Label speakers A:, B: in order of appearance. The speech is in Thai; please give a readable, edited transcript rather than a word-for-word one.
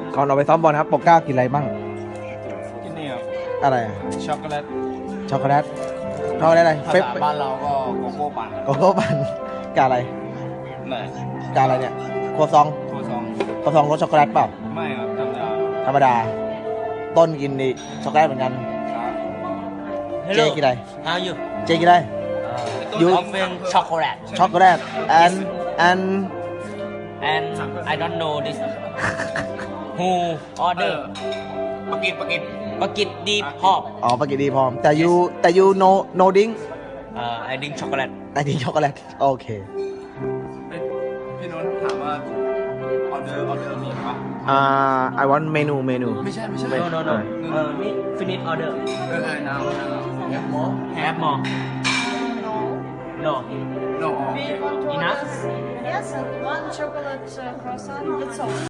A: ก่อนออกไปซ้อมบอลครับปกเกล้ากินอะไรบ้าง
B: ที่นี่ครับ
A: อะไรอะ
B: ช็อกโกแลต
A: ช็อกโกแลตช็อกโกแลตอะไร
B: ภา
A: เฟป
B: ษาบ้านเราก็โกโก้ปั่น
A: โกโก้ปั่นกาอะไร
B: ไหน
A: กาอะไรเนี่ยครัวซอง
B: โคซอง
A: ครัวซองรสช็อกโกแลตเปล่า
B: ไม่ครับธรรมดา
A: ธรรมดา ต้นกินดิช็อกโกแลตเหมือนกัน
B: ครับ
A: เจกินอะไร
C: How are you?
A: เจกินอะไร You-
C: Often chocolate.
A: ช็อกโกแลต and
C: And I don't know this. Who order?
B: ปากิด
C: Bucket deep hop.
A: อ๋อปากิดีพร้อมแต่ you no drink
C: I drink chocolate.
A: ไอ้นี่ช็อกโกแลตโอเค
B: พี่นนท์ถามว่าออเดอร์มีปะ
A: I want menu
B: ไม่ใช่
C: No. Me finish order.
B: น้ำ
C: Have more? Have more. No.
B: no
C: Enough?
D: Yes, and one chocolate croissant, that's all.